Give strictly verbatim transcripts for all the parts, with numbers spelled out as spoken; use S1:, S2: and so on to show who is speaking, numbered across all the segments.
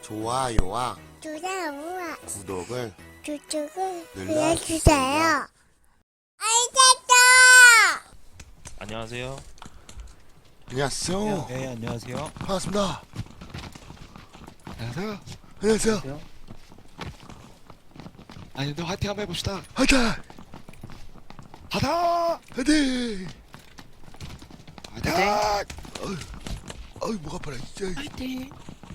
S1: 좋아요와
S2: 좋아요와
S1: 구독을
S2: 구독을
S1: 눌러주세요.
S2: 눌러주세요. 알겠어.
S3: 안녕하세요.
S1: 안녕하세요.
S4: 네, 안녕하세요.
S1: 반갑습니다.
S4: 안녕하세요.
S1: 안녕하세요.
S4: 아니, 너 화이팅 한번 해봅시다.
S1: 화이팅!
S4: 하다!
S1: 화이팅!
S4: 화이팅!
S1: 어이, 어이 목 아파라 진짜.
S4: 화이팅!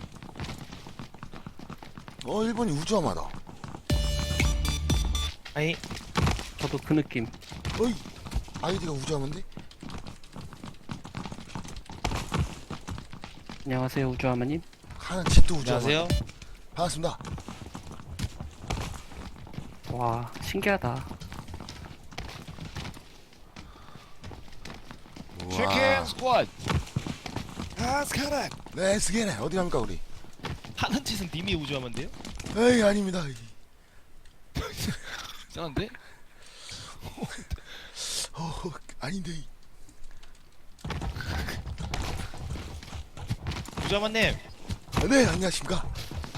S1: 어 일본이 우주함하다.
S3: 아이,
S5: 저도 그 느낌.
S1: 어이 아이디가 우주함인데?
S5: 안녕하세요, 우주하마님.
S1: 하는 집도 우주함.
S3: 안녕하세요.
S1: 반갑습니다.
S5: 와, 신기하다.
S4: 치킨 스쿼드! 아, 스카렛!
S1: 네 스게네 어디 갑니까 우리?
S3: 하는 짓은 님이 우주하면돼요?
S1: 에이 아닙니다.
S4: 이상한데?
S1: 어 아닌데.
S3: 우주하만님,
S1: 아, 네 안녕하십니까.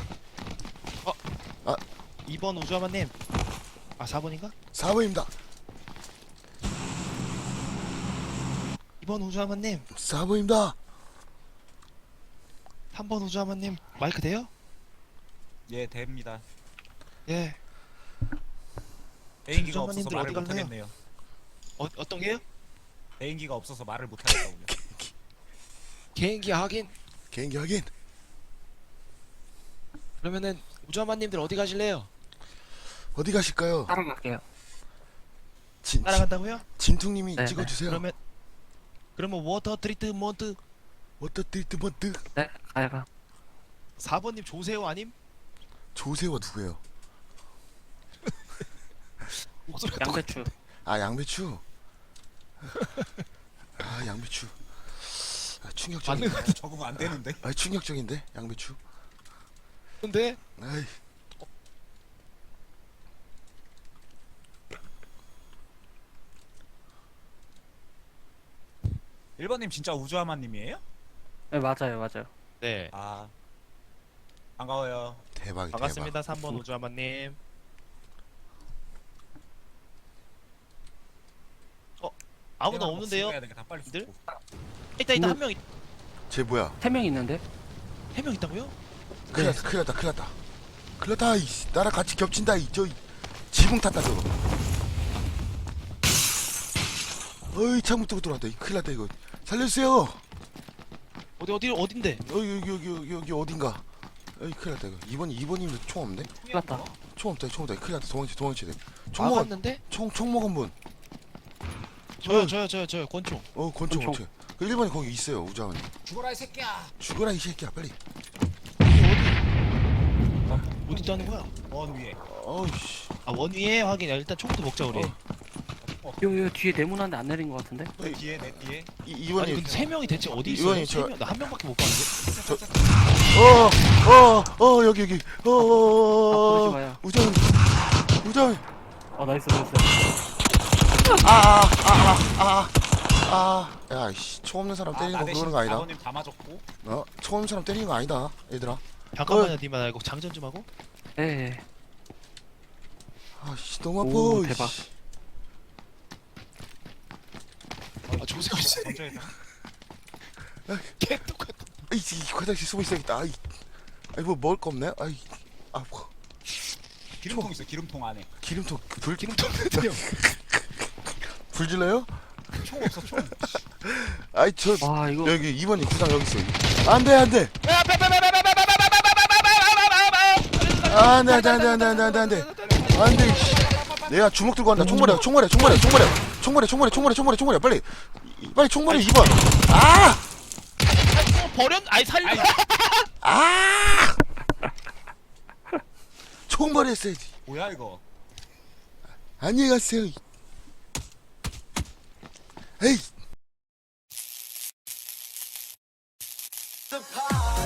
S3: 이 번 우주하만님. 아, 사 번인가?
S1: 사 번입니다.
S3: 이 번 우주하만님,
S1: 사 번입니다.
S3: 삼 번 우주하만님. 마이크 돼요?
S6: 예, 됩니다.
S3: 예.
S6: 대인기가 없어서
S3: 주전만님들
S6: 말을
S3: 어디
S6: 못
S3: 갈래요?
S6: 하겠네요.
S3: 어, 어떤 게요?
S6: 대인기가 없어서 말을 못 하겠다고요.
S4: 개인기 하긴.
S1: 개인기 확인.
S4: 그러면은 우주아마님들 어디 가실래요?
S1: 어디 가실까요?
S5: 따라갈게요.
S1: 진,
S3: 따라간다고요?
S1: 진퉁님이
S5: 네,
S1: 찍어주세요.
S3: 그러면 그러면 워터 트리트먼트
S1: 워터 트리트먼트.
S5: 네, 가야가.
S3: 사 번님 조세호 아님?
S1: 조세호가 누구예요?
S3: 목소리가 똑같...
S5: 양배추.
S1: 아 양배추. 아 양배추. 아, 충격적인.
S6: 적응 안 되는데.
S1: 아 충격적인데 양배추.
S4: 근데
S1: 아이.
S6: 일 번님 진짜 우주하마님이에요?
S5: 네, 맞아요, 맞아요.
S3: 네.
S6: 아, 반가워요.
S1: 대박이
S3: 반갑습니다. 삼 번 우주하만님. 어, 아무도
S6: 대박
S3: 없는데요?
S6: 먹어야 되니까 다 빨리
S3: 이들?
S6: 죽고.
S3: 있다 있다
S5: 음.
S3: 한 명,
S1: 대박. 쟤 뭐야?
S5: 세 명 있는데?
S3: 한 명 있다고요?
S1: 큰일 났다 큰일 났다 큰일 났다. 큰일 났다. 이 나랑 같이 겹친다. 이 저 지붕 탔다 저거. 어이 창문 뜨고 들어왔다. 이 큰일 났다 이거. 살려주세요.
S3: 어디 어디 어딘데?
S1: 어 여기 여기 여기 여기 어딘가. 어이 큰일 났다 이거. 이번 이번이면 총 없네.
S5: 큰일 났다.
S1: 총 없다 총 없다. 큰일 났다. 도망치 도망치 돼. 총 먹은
S3: 막았는데?
S1: 총총 먹은 분.
S3: 저요 저요 저요 저요 권총.
S1: 어 권총
S5: 권총.
S1: 권총. 그 일 번이 거기 있어요 우자원이.
S6: 죽어라 이 새끼야.
S1: 죽어라 이 새끼야 빨리.
S3: 어디 어디 있다는 거야?
S6: 원 위에.
S1: 어이씨.
S3: 아, 원 위에 확인. 야, 일단 총부터 먹자 우리.
S1: 어.
S5: 요, 요 뒤에 네모난데 안 내린 것 같은데?
S6: 내 뒤에 내 뒤에.
S1: 이
S3: 아니
S1: 이번이
S3: 근데 세 명이 대체 어디
S1: 이번이
S3: 있어요?
S1: 저-
S3: 세 명. 나 한 명밖에 못 봤는데.
S1: 어어어 여기 여기
S5: 아, 부르지
S1: 어어어
S5: 마요.
S1: 우자원 우자원.
S5: 어, 나이스, 나이스.
S1: 아, 야이씨 총 없는 사람
S6: 아,
S1: 때리는
S6: 나
S1: 거
S6: 대신
S1: 그러는 거 아니다.
S6: 사 번님 다 맞았고.
S1: 어? 총 없는 사람 때리는 거 아니다 얘들아.
S3: 잠깐만요, 니만 알고 장전 좀 하고.
S5: 네.
S1: 아씨 너무 아파.
S5: 오,
S1: 이씨.
S5: 대박.
S3: 아, 조세호 씨.
S6: 전투에서.
S3: 개 똑같아.
S1: 아이 이 화장실 숨어 있어야겠다. 아이, 아이 뭐 먹을 거 없네. 아이, 아 뭐,
S6: 기름통 있어. 기름통 안에.
S1: 기름통 불
S3: 기름통 같아요.
S1: 불 질러요?
S6: 총 없어 총.
S1: 아이 저
S5: 와, 이거.
S1: 여기 이 번이 구상 여기 있어. 안돼 안돼. 안돼 안돼 안돼 안돼 안돼 안돼 안돼. 안돼. 내가 주먹 들고 간다. 총머리야 총머리야 총머리야 총머리야 총머리 총머리 총머리 총머리 총머리야 빨리 빨리 총머리 이 번. 아!
S3: 버렸? 아니 살려.
S1: 아! 총머리 했어야지.
S6: 뭐야 이거?
S1: 안녕히 가세요. 에이.